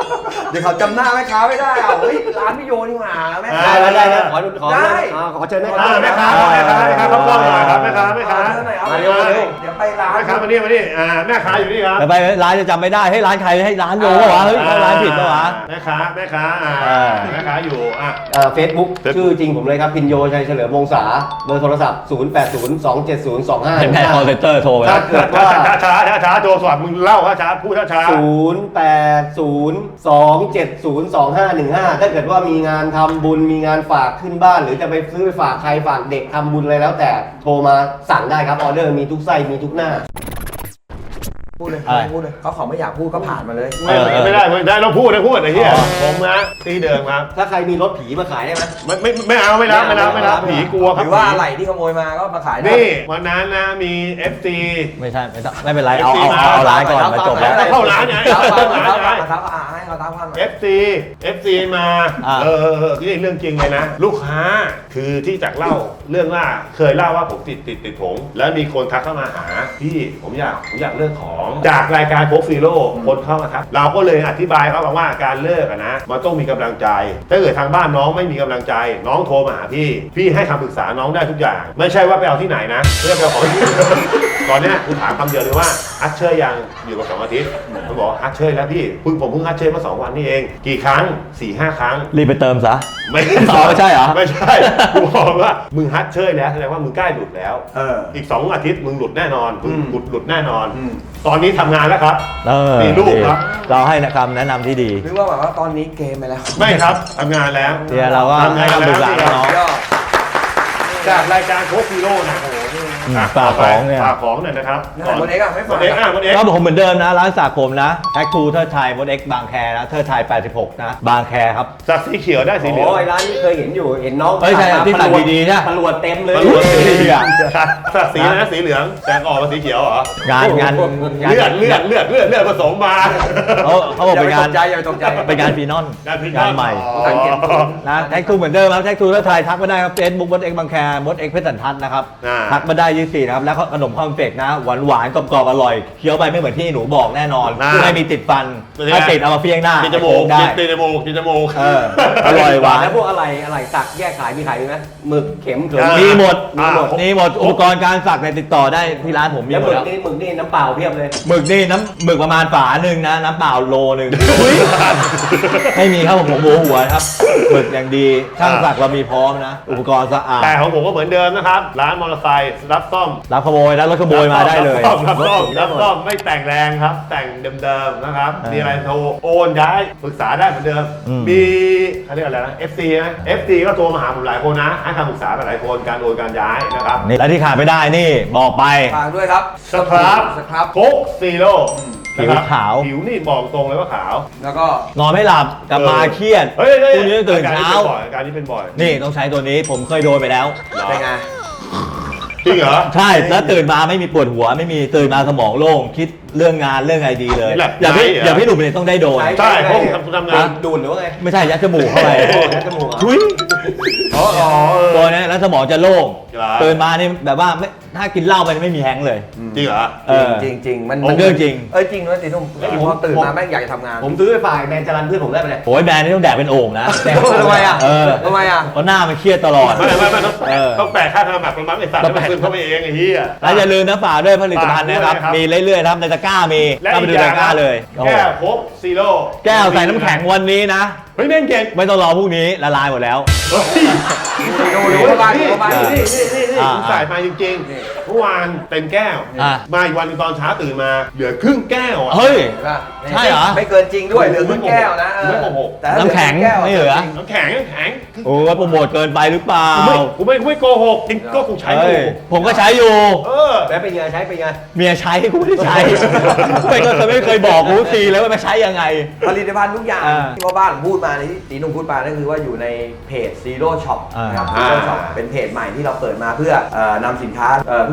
เดี๋ยวเขาจำหน้าแม่ค้าไม่ได้อ่ะเฮ้ยร้านพี่โยนี่หว่าแม่ค้า
ได้ได้ได้ขอขอ
ได้
อ่าขอเชิญแม่
อ่า
ค้า
แม่ค้าแม่ค้าแม่ค้าเขากล้องหน่อยครับแม่ค้าแม่ค้า
เชิญหน่อยเอา
มาเร็วมาเร็ว
เดี๋ยวไปร้าน
แม่ค้ามานี่มานี่อ่าแม่ค้าอยู่นี่ครับ
ไปไปร้านจะจำไม่ได้ให้ร้านใครให้ร้านโยปะวะเฮ้ยเข้าร้านผิดปะวะ
แม่ค้าแม่ค้าอ่า
อ่า
แม่ค้าอยู่อ่ะ
เฟซบุ๊ก
Facebook
ชื่อจริงผมเลยครับพินโยชัยเฉลิมวงศาเบอร์โทรศัพท์ ศูนย์ แปด ศูนย์ สอง เจ็ด ศูนย์ สอง ห้า
เป็นแม่คอลเซนเตอร์โทรไป
ช้า
แล้ว
ช้าช้าช้าช้าช้าโจสวัสดิ์มึงเล่าว่าช้าพูดช้าช้า
ศูนย์ แปด ศูนย์ สอง เจ็ด ศูนย์ สอง ห้า หนึ่ง ห้า ถ้าเกิดว่ามีงานทำบุญมีงานฝากขึ้นบ้าน หรือจะไปซื้อไปฝากใครฝากเด็กทำบุญอะไรแล้วแต่โทรมาสั่งได้ครับออเดอร์มีทุกไส้มีทุกหน้า
พูดเลย
อะไร
พูดเลยเขาเขาไม่อยากพูดก็ผ่านมาเลย
ไม่ไม่ไม่ได้ไม่ได้เราพูดนะพูดไอ้เหี้ยผมนะตีเดิมครับ
ถ้าใครมีรถผีมาขายได้ไหม
ไม่ไม่ไม่เอาไม่รับไม่รับไม่รับผีกลัวค
ห
รับ
รือว่าอะไรที่ขโมยมาก็มาขายได้
นี่วันนั้นนะมี เอฟ ซี
ไม่ใช่ไม่ต้องไม่เป็นไรเอาเอาเอาเอาร้านก่อนมาจบแล้ว
เข้าร้านไง
เท้า
เข้า
ความ
ร้านไง
เท้าความเท้าความให้เขาเท้าความ
เอฟ ซี เอฟ ซี มา
อ่า
เออเออเออนี่เรื่องจริงเลยนะ ลูกค้าคือที่จากเล่าเรื่องว่าเคยเล่าว่าผมติดติดติดผงแล้วมีคนทักเข้ามาหาพี่ผมอยากผมอยากเลิกของจากรายการโค้กซีโร่คนเข้ามาทักเราก็เลยอธิบายเขาบอกว่าการเลิกอะนะมันต้องมีกำลังใจถ้าเกิดทางบ้านน้องไม่มีกำลังใจ น้องโทรมาหาพี่พี่ให้คำปรึกษาน้องได้ทุกอย่าง ไม่ใช่ว่าไปเอาที่ไหนนะเพื่อไปเอาของที่ ตอนเนี้ยคุณถามคำเดียวเลยว่าฮัทเชยยังอยู่กับสองอาทิตย์ผมบอกฮัทเชยแล้วพี่เพิ่งผมเพิ่งฮัทเชยมาสองวันนี่เองกี่ครั้งสี่ห้าครั้ง
รีบไปเติมซะ
ไม่
อ๋อไม่ใช่เหรอ
ไม่ใช่กูบอกว่ามึงฮัทเชยแล้วแสดงว่ามึงใกล้หลุดแล้ว
เออ
อีกสองอาทิตย์มึงหลุดแน่นอนมึง
อืม
หลุดหลุดแน่นอน
อืม
ตอนนี้ทำงานแล้วครับ
เออ
มีลูกครับ
เราให้คำแนะนำที่ดี
หรือว่าแบบว่าตอนนี้เกมไปแล้ว
ไม่ครับทำงานแล้ว
เดี๋ยวเราก็ให้คำปรึกษาน้อง
ยอด
จากรายการโค้ชซีโร่นะโอ้โหนี่
อืม
อ่ะ
ฝากของเนี่ย
ฝากของหน่อยนะครับ
เนี่ยมดเอ็กซ์อะไม่ฝาก
มดเอ็กซ์อ่ะมดเอ็กซ์
ก็ผมเหมือนเดิมนะร้านสระผมนะแท็กทูเทิดไทยมดเอ็กบางแคนะเทิดไทยแปดสิบหกนะบางแคครับ
สักสีเขียวได้สีเหลือง
โอ้ยร้านนี้เคยเห็นอยู่เห็นน้อง
เอ้ยใช่ที่ตัดดีๆใช่
ตำรวจเต็มเลย
ตำรวจสีเหลืองสักสีนะสีเหลืองแต่ออกมาสีเขียวเหรอง
านงานงาน
เลือดเลือดเลือดเลือดเลือดผสมมา
เขาเขาบอก
อย่า
เป็น
ไป
งา
ต
น
กใจอย่าไปตกใจ
เป็นงานฟีนอน
งานพิ
งานใหม่
สังเกต
นะแท็กทูเหมือนเดิมครับแท็กทูแล้วไทยทักมาได้ครับเฟซบุ๊กมดเอ็กบางแคมดเอ็กเพชรสันทัศน์นะครับ
อ่า
ทักมาได้ยี่สี่นะครับแล้วก็ขนมคอมเฟกนะหวานหวานๆกรอบๆอร่อยเคี้ยวไปไม่เหมือนที่หนูบอกแน่นอน
อ่า
ไม่มีติดฟัน
เป็นไง
ถ้าติดเอามาเฟี้ยงหน้า
กินจมูก
ได้
กินจมูกกินจมูก
เอออร่อยหวาน
แล้วพวกอะไรอะไรสักแยกขายมีขายไหมหมึกเข็มเขิม
อ่า
มีหมด
อ่า
มีหมดมีหมดอุปกรณ์การสักในยติดต่อได้ที่ร้านผมมี
แล้ว
ห
ห
ม
มึ
ด
ก
แล้ว
นี่หมึกนี่น้ำเปล่าเพียบเลย
หมึกนี่น้ำหมึกประมาณฝาหนึ่งนะน้ำเปล่าโลหนึ่งไม่มีครับผมผมหัวหัวครับหมึกอย่างดีช่างสักเรามีพร้อมนะ อุปกรณ์สะอาด
แต่ของผมก็เหมือนเดิมนะครับ ร้านมอเตอร์ไซค์รับซ่อม
รับขโมยแล้วรถขโมยมาได้เลย
รับซ่อมรับซ่อมรับซ่อมไม่แต่งแรงครับ แต่งเดิมๆนะครับ
อ่ามี
มีอะไรโทรโอนย้ายปรึกษาได้เหมือนเดิม
อืม
มีเขาเรียกอะไรนะ เอฟ ซี นะ เอฟ ซี ก็โทรมาหาผมหลายคนนะ ให้คำปรึกษาหลายคนการโอนการย้ายนะครับ
นี่และที่ขาดไม่ได้นี่บอกไป
ฝากด้วยครับ
สครับ
สครับ
โค้กซีโร่
ผิวขาว
ผิวนี่บอกตรงเลยว่าขาว
แล้วก็
นอนไม่หลับกลับมาเครียด
เฮ้ยเฮ้ย
พรุ่งนี้ตื่นเช้า
อาการนี้เป็นบ่อยอาการนี้เป็นบ่อย
นี่ต้องใช้ตัวนี้ผมเคยโดนไปแล้ว
เหรอ
เป็นไง
จริงเหรอ
ใช่แล้วตื่นมาไม่มีปวดหัวไม่มีตื่นมาสมองโล่งคิดเรื่องงานเรื่องไอดีเลย
แบบ
อย่าพี่
ไหนเหรอ
อย่าพี่หนุ่มเนี่ยต้องได้โดน
ใช่เพราะผมทำทำงาน
ดูดหรือว่าไง
ไม่ใช่ยัดจมูกเข้าไป
โอ้ยัดจมูกเหรอ
ทุย
อ๋ออ๋อเออ
ตัวเนี้ยแล้วสมองจะโล่ง
เหรอ
ตื่นมานี่แบบว่าไม่ถ้ากินเหล้าไปนี่ไม่มีแฮงก์เลย
จริงเหรอ
เออ
จริงจริงๆมัน
มันเรื่องจริง
เอ้ยจริงด้วยตีนุ่มพอตื่นมาแม่งอยากจะทำงาน
ผมซื้อไปฝากแมนจรันเพื่อนผมได้ไหมเนี่ย
โอ้ยแบรนด์นี่ต้องแดกเป็นโอ่งนะ
ทำไมอ่ะ
เออ
ทำไมอ่ะ
เพราะหน้ามันเครียดตลอด
ไม่ไม่ไม่ต้อง
เออ
ต้องแปะค่าธนบัตรประมาณไอ้สัตว์
ต้อง
แล้ว
แปะ
มันซึมเข้าไปเองไอ้เหี้ย
แล้วอย่าลืมนะฝากด้วยผลิตภัณฑ์นะครับ
ฝากด้วยนะครับ
มีเรื่อยๆนะครับในตะกร้ามี
และ
เข้าไป
อี
ดู
กอ
ตะ
ย่าง
กร้าเลยโอ้โห
แก้วโค้กซีโร่
แก้วใส่น้ำแข็งวันนี้นะ
เฮ้ยแม่งเก่ง
ไม่ต้องรอพรุ่งนี้ละลายหมดแล้ว
เฮ้ย
ดูดูเข้าไปดูเข้าไป
นี่นี่นี่นี่
อ่า
ผมใส่มาจริง
นี่
ๆเมื่อวานเต็มแก้ว
อ่า
มาอีกวันหนึงตอนเช้าตื่นมาเหลือครึ่งแก้วอ่ะ
เฮ้ย
เห็นป่ะ
ใช่เหรอ
ไม่เกินจริงด้วยเหลือครึ่งแก้วนะเออ
ไม่โกหก
แต่ถ้า
น้ำแข็ง
ลือครึ่ก้ว
ไม่เหลือ
จริง
น้ำแข็งน้ำแข็ง
โอ้ยโปรโมทเกินไปหรือเปล่า
กูไม่กูไม่กูไม่โกหกจริงก็กูใช้อ
เฮ้
ยู่
ยผมก็ใช้อยู่
เออ
แล้วเป็นไงใช้เป็นไง
เมียใช้กูไม่ได้ใช้ ไม่ก็ไม่เคยบอกกูทีเลยว่าไม่ใช้ยังไง
ผลิตภัณฑ์ทุกอย่าง
อ่า
ที่พ่อบ้านผมพูดมาในที่ตีนุ่มพูดมานั่นคือว่าอยู่ในเพจ Zero Shop
อ่าน
นะครับ
อ่า
Zero Shop เป็นเพจใหม่ที่เราเปิดมาเพื่อเอ่อนำสินค้าเอ่อทุ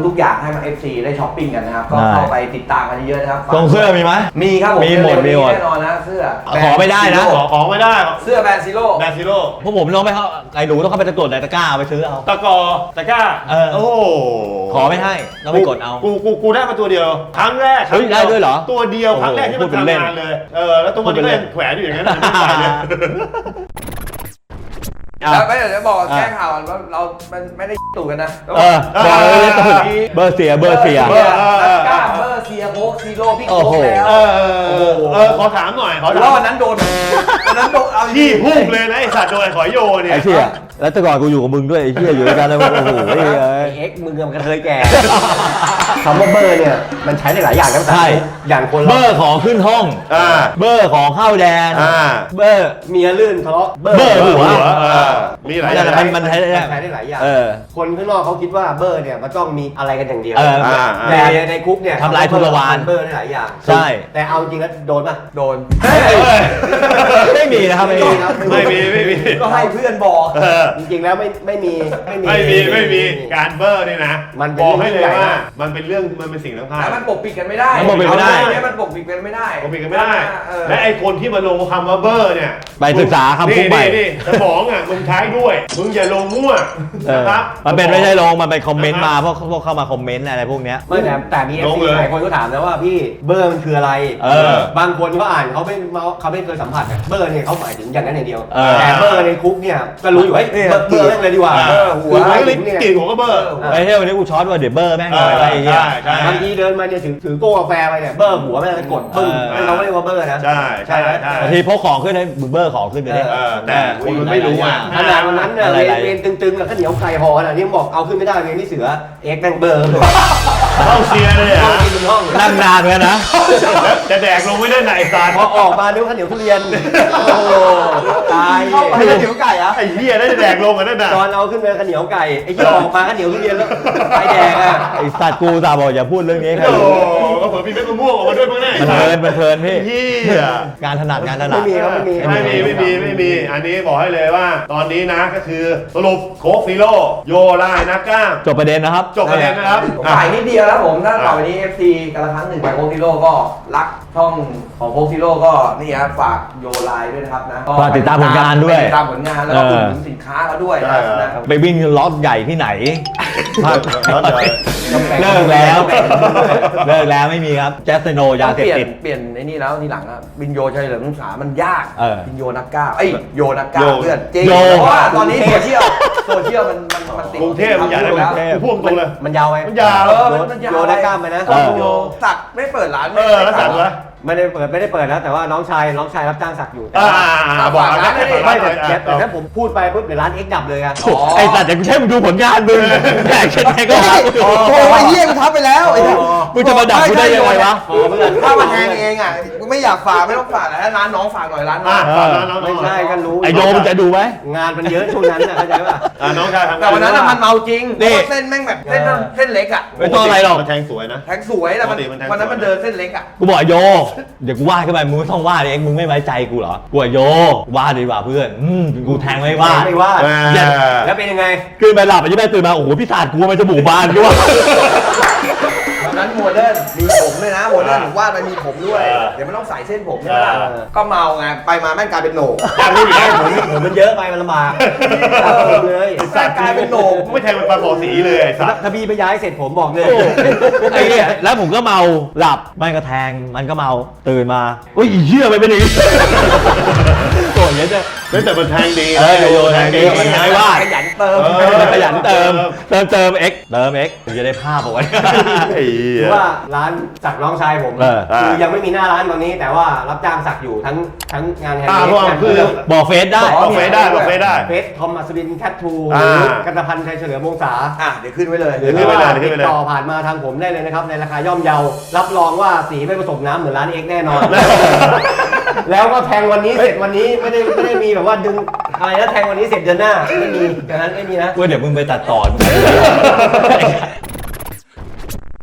ำทุกอย่างให้มา เอฟ ซี ได้ช้อปปิ้งกันนะครับก็เข้าไปติดตามกันเยอะๆนะครับ
ทรงเสื้อมีไหม
มีครับผม
มีหมดมีหมด
แน่นอนนะเสื้อ
ขอไม่ได้นะ
ขอของไม่ได้
เสื้อแบรนด์ซีโร่
แบซิโร่
พวกผมต้องไปเข้าไอ้หนูต้องเข้าไปตะกดในตะกร้าเอาไปซื้อเอา
ตะกอตะกร้า
เออ
โอ้
ขอไม่ให้ต้องไปกดเอา
กูกูกูได้มาตัวเดียวครั้งแรก
เฮ้ยได้ด้วยเหรอ
ตัวเดียวครั้งแรกที่มัน
พูดเป็นเล่น
ทำงานเลยเออแล้วตัวมัน
พูดเป็นเล่
ก็
น
ยังแขวนอยู่อย่างนั้นไม่ไปเลย
แล้วก็เดี๋ยวจะบอก
อ่ะ
แก้ข่าวก่อนว่าเรามันไม่ได้ตู่กันนะ
เออบอกเลยว่าตื่นเบอร์เสียเบอร์เสีย
เบอร์กล้าเบอร์เสียโค้กซีโร่พี่โค้กแล้ว
เออเออเออขอถามหน่อยขอถาม
แล้ววันนั้นโดนวันนั้นโดนเอา
พี่พุ่งเลยนะไอสัตว์โดนขอยโยเนี่ย
ไอ้เชี่ยแล้วแต่ก่อนกูอยู่กับมึงด้วยไอ้เชี่ยอยู่ด้วยกันเลยโอ้โหไอ้เหี้ย
ไอ้เอ็กซ์มึงกับกระเทยแก่คำว่าเบอร์เนี่ยมันใช้ได้หลายอย่างนะ
ใช่
อย่างคน
เบ
เรา
อร์ของขึ้นห้อง
อ่า
เบอร์ของเข้าแดน
อ่า
เบอร์
เมียลื่นทะเลาะ
เบอร์หัว
เออมีหลายอย่าง
มันมันใช้ได้
มันใช้ได้หลายอย่าง
เออ
คนข้างนอกเขาคิดว่าเบอร์เนี่ยมันต้องมีอะไรกันอย่างเดียว
เออ
อ่า
แต่ในคุกเนี่ย
ทำลายทุรวาน
เบอร์ได้หลายอย่าง
ใช่
แต่เอาจริงแล้วโดนป่ะ
โดน
ไม่มีนะครับไม่มี
ครับ
ไม่มีไม่มี
ก็ให้เพื่อนบอก
เออ
จริงๆแล้วไม่ไม่มีไม่มี
ไม่มีไม่มีการเบอร์นี่นะ
มันเป็น
บอกให้เลย
เรื่องใหญ่
ว่า
นะ
มันเป็นเรื่องมันเป็นสิ่งสำคัญ
แล้วมันปกปิดกันไม่ได้
มันปกปิดไม่ได้
เอาเนี่ยมันปกปิดกันไม่ได้
ผมปิดกันไม่ได้
เออ
และไอ้คนที่มาลงคำว่าเบอร์เนี่ย
ไปศึกษาคำพูดใหม่
นี่นี่สมองอ่ะมึงใช้ด้วย มึงอย่าลงมั่ว
เออ
นะครับ
มันเป็นไม่ใช่ลงมันเป็นคอมเมนต์มาพวกพวกเข้ามาคอมเมนต์อะไรพวกเนี้ย
ไม่แต่แต่มีเอฟ
ลง
ซี
เลย
หลายคนก็ถามนะว่าพี่เบอร์มันคืออะไร
เออ
บางคนเขาอ่านเขาไม่เขาไม่เคยสัมผัสอะเบอร์เนี่ยเขาหมายถึงอย่างนั้นอย่างเดียว
เออ
แต่เบอร์ในคุกเนี่ยก็รู้อยู่เฮ้ยเบอร์เบอร์แม่งเลยดีกว่า
อ่า
เบอร์หัว
คือ
หมาย
ไม่
ถึงเนี่ย
กลิ่นของก็เบอร์
ไอ้เหี้ยวันนี้กูช็อตว่าเดี๋ยวเบอร์แม่งหน่อยอะไรอย่างเงี้ย
ใช่ใช่
บางทีเดินมาเนี่ยถือถือโก้กาแฟไปเนี่ยเบอร์หัวแม่งกดปึ้ง
เออ
นั่นเราไม่เรียกว่าเบอร์นะ
ใช่ใช่ใช่
บางทีพกของขึ้นให้มึงเบอร์ของขึ้นไปดิ
เออแต่คนมันไม่รู้อ่ะ
ขนาดวันนั้นเนี่ย
อะไร
เรียน
อะไร
เรียนตึงๆกับข้าวเหนียวไก่ห่อขนาดนี้บอกเอาขึ้นไม่ได้เรียนที่เสือเอ็กซ์แม่งเบอร์
เข้าเชียร์เลย
ห้
อ่ะ
องกินบนห้อง
นั่งนานเหมือนกันนะ
จะแดกลงไม่ได้ไหนสาร
พอออกมานึกว่าข้าวเหนียวทุเรียนโอ้โหตาย
เข้าไปแล้วถือไก่อะ
ไอ้เหี้ยได้แดกลงกันนั่นน่ะ
ตอนเอาขึ้นไปข้าวเหนียวไก่ไอ้ที่ออกมาข้าวเหนียวทุเรียนแล้วไฟแดงอ่ะ
ไอ้สัตว์กูตาบอกอย่าพูดเรื่องนี้ใคร
โอ้
รู้
โหก็เผื่อมีเม็ดมะม่วงออกมาด้วยมั้งเนี่ย
มันเพลินมันเพลินพี่
เหี้ย
งานถนัดงานถนั
ไม่
ด
มีครับไม่มี
ไม่มีไม่มีไม่มี อันนี้บอกให้เลยว่า ตอนนี้นะก็คือสรุปโค้กซีโร่โยไลนักกล้าม
จบประเด็นนะครับ
จบประเด็นนะครับ
ผม
อ่ะ
ฝ่ายนิดเดียวแล้วผมถ้าต่อไปนี้ เอฟ ซี กันละครั้งหนึ่งไปโค้กซีโร่ก็รักช่องของโค้กซีโร่ก็นี่ครับฝากโยไลน์ด้วยนะครับนะ
ฝากติดตามผลงานด้วย
ติดตามผลงานแล้วก็
เออ
อุดหนุนสินค้าเขาด้วย
ใช่
นะครับ
ไปวิ่งล็อตใหญ่ที่ไหน
ล็อตใหญ่
เลิกแล้ว เลิกแล้วไม่มีครับแจสเซโนยาเสพ
เปลี่ยน
ติด
เปลี่ยนไอ้นี่แล้วทีหลังอะบินโยชัยเหลิมสามันยาก
เออ
บินโยนักกล้าเอ้ยโยนักกล้า
โย
เพื่อนจริง
โย
เพราะว่าตอนนี้โซเชียลโซเชียลมันมันมันติด
กรุงเทพมันใหญ่ได้ไหม
แล้ว
พูดตรงเลย
มันยาวไหม
มันยาว
เออมันมันยาว
โยได้กล้ามไปนะ
เออ
โยสักไม่เปิดร้าน
เออแล้วสั่งวะ
ไม่ได้เปิดไม่ได้เปิดแล้วแต่ว่าน้องชายน้องชายรับจ้างสักอยู่
อ่าบอก
ร้านไม่ได้
ไม่
ไม่
แต่แต่แต่ถ้าผมพูดไปปุ๊บเดี๋ยวร้านเอ็กดับเลยอะ
อ๋อ
ไอ้สัตว์แต่กูใช่มึงดูผลงานมึงแดกเช่นไรก็หากูดู
โอ้ยเยี่ยมทับไปแล้วไอ้เนี่ย
มึงจะมาดักกูได้ยังไงวะ
โอ้เพื่อน
ถ้ามาแทงเองอ่ะกูไม่อยากฝากไม่ต้องฝากแต่ถ้าร้านน้องฝากหน่อยร้านน้อ
อ่ะ
ง
ฝากร้านน้อง
ไม่ใช่ก็รู้
ไอ้โยมึงจะดูไหม
งานมันเยอะช่วงนั้นนะเข้าใจป่ะ
อ่ะน้องชายทำงาน
แต่วันนั้นน่ะมันเมาจริง
นี่
เพราะว่าเส้นแม่งแบบเส้นเส้นเล็กอ่ะ
ไม่ต้องอะไรหรอก
มันแทงสวยนะ
แทงสวยแต่มัน
ปกติมันแทง
วันนั้น
สวย
มันเดินเส้นเล็กอ่ะ
กูบอกไอ้โย เดี๋ยวกูว่าขึ้นไปมึงไม่ต้องว่าดิเองมึงไม่ไว้ใจกูเหรอ กูบอกโยว่าดีกว่าเพื่อนอืมกูแทงไม่ว่า
ไม่ว่า
อ่า
แล้วเป็นยังไง
ขึ้นไปหลับไปยี่แม่ตื่นมาโอ้โหพี่ศาสตร์กูมันจมูกบานกูว่า
วันนั้นโมเดิร์นมีผมด้วยนะโมเดิร์นผมวาดไปมีผมด้วย
เออ
เดี๋ยวมันต้องใส่เส้นผมใช่ไหมล่ะ
เออ
ก็เมาไงไปมาแม่งกลายเป็นโหนก
อยากรู้อยู่แล้ว
ผมผมมันเยอะไปมันลำบาก
เออ
เลย
แม่งกลายเป็นโหนก
กูไม่แทงมันปลาหมอสีเลยไอ้สัตว์
ถ้าพี่ไปย้ายเสร็จผมบอกเลย
ไอ้เนี่ยแล้วผมก็เมาหลับมันก็แทงมันก็เมาตื่นมาอุ้ยอีเหี้ยมันเป็นอย่างนี้โกรธเงี้ยจะ
แต่มันแทงดี
เออโยนแทงดีมันไม่ว่า
ขยันเติม
เออ
มันขยันเติมเติมเติม X เติม X ถึงจะได้ภาพเอาไว้
ไอ้เหี้
หรื
ย
อว่าร้านสักน้องชายผม
เออ
คือยังไม่มีหน้าร้านตอนนี้ แต่ว่ารับจ้างสักอยู่ทั้งทั้งงานแฮนด์
อ่า
เม
เพราะว่า
ด
คือ
บอกเฟซได้
บอกเฟซได้บอกเฟซได้
เฟสทอมอัศวินแคททู
อ่า
หรือกันตพันธ์ชัยเฉลิมวงศา
อ่ะเดี๋ยวขึ้นไว้เลย
หรือ
ขึ้นไป
ว่า
เลยขึ้
ติ
นไป
ด
เลย
ต่อผ่านมาทางผมได้เลยนะครับ ในราคาย่อมเยา รับรองว่าสีไม่ผสมน้ำเหมือนร้านเอ็กแน่นอน แล้วก็แทงวันนี้เสร็จวันนี้ไม่ได้ไม่ได้มีแบบว่าดึงอะไรนะแทงวันนี้เสร็จเดือนหน้าไม่มีดังนั้นไม่มีนะ
กูเดี๋ยวมึงไปตัดต่อ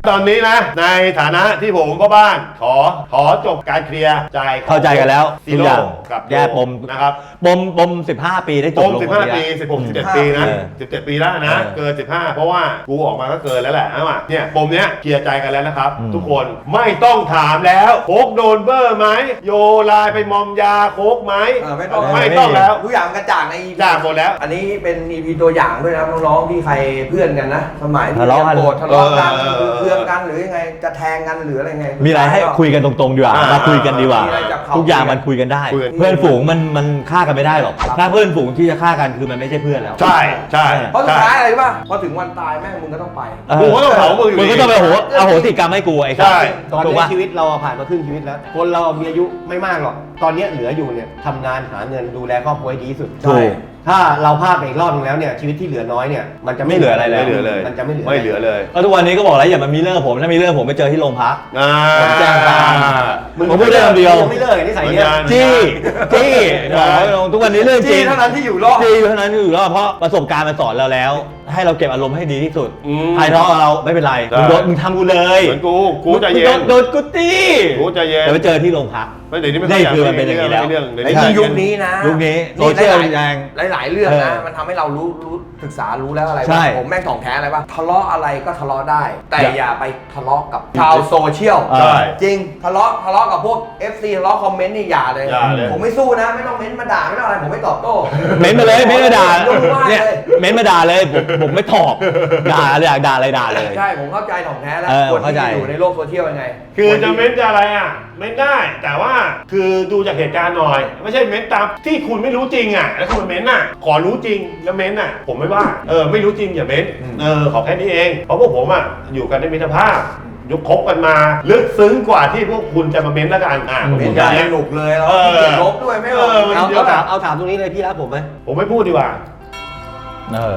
ตอนนี้นะในฐานะที่ผมพ่อบ้านขอขอจบการเคลียร์ใจของ
เข้าใจกันแล้ว
ซี
ทุก
โร่
อย่าง
กับ
แก้ปม
นะครับ
ปมปมสิบห้าปีได้จ
ป
บ
ม
ลง
สิบห้า
คน
ปี
เดียว
สิบหกสิบเจ็ดปีนะ
เออ
สิบเจ็ดปีแล้วนะ
เออ
เกินสิบห้าเพราะว่ากูออกมาก็เกินแล้วแหละนะว่าเนี่ยปมเนี้ยเคลียร์ใจกันแล้วนะครับ
อืม
ทุกคนไม่ต้องถามแล้วโคกโดนเบอร์ไหมโยไลน์ไปมอมยาโคกไหม
เออไม่ต้อง
ไม่ต้องแล้ว
ทุกอย่างกระจ่างใน
จ่างหมดแล้ว
อันนี้เป็น อี พี ตัวอย่างด้วยนะครับน้องๆที่ใครเพื่อนกันนะ สมัยที่
ทะเลาะกัน
โกรธทะเลาะกัน
เออเออเออ
เคืองกันหรือยังไงจะแทงกันหรืออะไรไง
มีอะไรให้คุยกันตรงๆดีกว่า
อ่าม
มาคุยกันดีกว่า
มีอะไรจับเขา
ทุกอย่างมันคุยกันได้
คุยกัน
เพื่อนฝูงมันมันฆ่ากันไม่ได้หรอกถ้าเพื่อนฝูงที่จะฆ่ากันคือมันไม่ใช่เพื่อนแล้ว
ใช่ใช่
เพราะสุด
ใช่
ท้ายอะไรรู้ป่ะพอถึงวันตายแม่งมึงก็ต้องไป
กูก็ต้องเผามึงอยู่ดี
มึงก็ต้องไปโหอโหสิกรรมให้กูไอ้สัส
ใช่
ตอน
ถูก
นี้
ปะ
ชีวิตเราผ่านมาครึ่งชีวิตแล้ว คนเรามีอายุไม่มากหรอก ตอนนี้เหลืออยู่เนี่ยทำงานหาเงินดูแลครอบครัวให้ดีที่สุด
ถูก
ถ้าเราพลาดไปอีกรอบนึงแล้วเนี่ยชีวิตที่เหลือน้อยเนี่ยมันจะ
ไม่เหลืออะไรแล้ว
ไม่เหลือเลย
มันจะไม่เหลือ
ไม่เหลือเลย
ก็ทุกวันนี้ก็บอกแล้วอย่ามามีเรื่องกับผมถ้ามีเรื่องกับผมไปเจอที่โรงพัก
อ่า
ผมแจ้งความ
มึง
ผมพูดได้คำเดียว
งไม่เลิกไอ้นิสัยเนี้ย
เหมือนกัน
จี้จี้บอกไว้ตรงทุกวันนี้เรื่องจริ
จี้
ง
เท่านั้นที่อยู่รอด
จี้เท่านั้นที่อยู่รอดเพราะประสบการณ์มันสอนเราแล้ว ให้เราเก็บอารมณ์ให้ดีที่สุด
อืม
ใครทะเลาะกับเราไม่เป็นไร
ได้
มึงโดนมึงทำกูเลย
เหมือนกูกูใจเย็
มึ
น
งโดโดนกูตี
กูใจเย็น
แต่ไปเจอที่โรงพัก
ไม่เดี๋ยวนี้ไม่
นี่
ค่อยอยาก
คือมันเป็นอย่างนี้แล้ว
เรื่องเรื่อง
ไอ้
เรื่อง
ที่ยุคนี้นะ
ยุคนี้โซเชียลแรง
หลายๆเรื่องนะ
เออ
มันทำให้เรารู้รู้ศึกษารู้แล้วอะไร
ใช่
ว่าผมแม่งของแท้อะไรป่ะทะเลาะอะไรก็ทะเลาะได้ แต่
อย่า
อย่าไปทะเลาะกับชาวโซเชียล
ใช่
จริงทะเลาะทะเลาะกับพวก เอฟ ซี ทะเลาะคอมเมนต์นี่อย่าเลย
อย่าเลย
ผมไม่สู้นะ ไม่ต้องเม้นต์มาด่าไม่ต้องอะไรผมไม่ตอบโต้
เม้นมาเลยเม้นมาด่า
รู้ว่า
เนี่ย
เลย
เม้นมาด่าเลยผมผมไม่ตอบด่าเลยอยากด่าอะไรด่าเลย
ใช่ผมเข้าใจของแท้แล้ว
เออ
คน
เข้าใจ
ที่อยู่ในโลกโซเชียลยังไง
คือจะเม้นจะอะไรอ่ะเม้นได้ แต่ว่าคือดูจากเหตุการณ์หน่อย ไม่ใช่เม้นตามที่คุณไม่รู้จริงอ่ะแล้วคุณเม้นอ่ะขอรู้จริงแล้วเม้นอ่ะ ผมไม่ว่าเออไม่รู้จริงอย่าเม้นเออขอแค่นี้เองเพราะพวกผมอ่ะอยู่กันในมิตรภาพยุคคบกันมาลึกซึ้งกว่าที่พวกคุณจะมาเม้นแล้วกันอ่ะผม
เม้
พู
น
ด
ต์
อ
กั
ย่าน งเงี้ย
สนุกเลยเรา
เออ
ขี้เกียจลบด้วยไม่หรอก
เออมัน
เอา
เย
เอา
อะ
ถามเอาถามตรงนี้เลยพี่รักผมไหม
ผมไม่พูดดีกว่า
เออ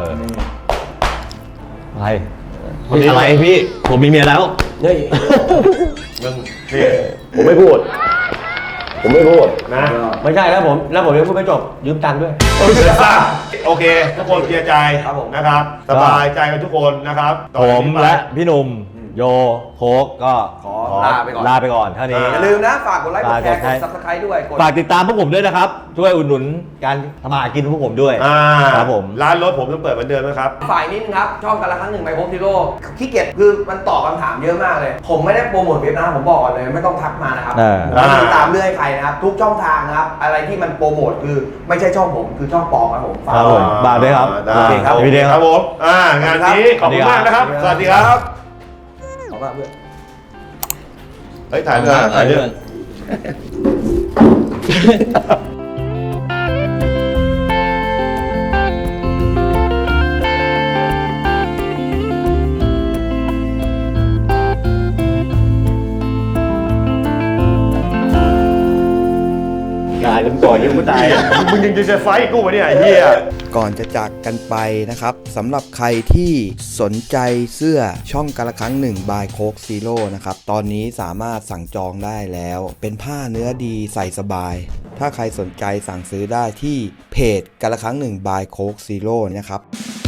อะไรอะไรพี่ ผมมีเมียแล้ว
เฮ้ย
มึงนี่ผมไม่พูด ผมไม่พูดนะ
ไม่ใช่แล้วผมแล้วผมยังพูดไม่จบยืมตังค์ด้วย
โอเคทุกคนเคลียร์ใจ
ครับผม
นะครับ สบายใจกันทุกคนนะครับต่
ผ
อจาก
ม
นี้ไป
และพี่หนุ่มโยโคกก็
ขอลาไปก่อน
ลาไปก่อนเท่านี้
อย่าลืมนะฝากกดไลค์กดแชร์ก
ฝาก
ด
กด
ซับสไครต์ด้วยกด
ฝากติดตามพวกผมด้วยนะครับ ช่วยอุดหนุนการทำมาหากินพวกผมด้วย
อ่า
ครับผม
ร้านรถผมต้องเปิดเหมือนเดิมนะครับ
ฝ่ายนิดนึงครับช่องกันละครั้งหนึ่งไมโครซีโร่ขี้เกียจคือมันตอบคำถามเยอะมากเลย ผมไม่ได้โปรโมทเว็บนะผมบอกก่อนเลยไม่ต้องทักมานะครับ
เออ
ผมไม่ได้ติดตามเรื่อยใครนะครับทุกช่องทางนะครับอะไรที่มันโปรโมทคือไม่ใช่ช่องผมคือช่องปลอมครับผมฝาก
ครับผม บาทด้วยครับ
ได้
โอเคครับ
โอ
พี่
เค
เดช
ค
ครั
รับบ ผมอ่างานนี้ขอบคุณมากนะครับ สวัสดีครับ
ขอบคุณเพื่อน
เฮ้ยถ่ายด้วยถ่ายด้วย
ตายผมต่อยยังไม่ตาย
มึงยังจะไฟท์กูวะเนี่ยไอ้เฮีย
ก่อนจะจากกันไปนะครับสำหรับใครที่สนใจเสื้อช่องกาละครั้งหนึ่งบายโคกซีโร่นะครับตอนนี้สามารถสั่งจองได้แล้ว เป็นผ้าเนื้อดีใส่สบาย ถ้าใครสนใจสั่งซื้อได้ที่เพจกาละครั้งหนึ่งบายโคกซีโร่นะครับ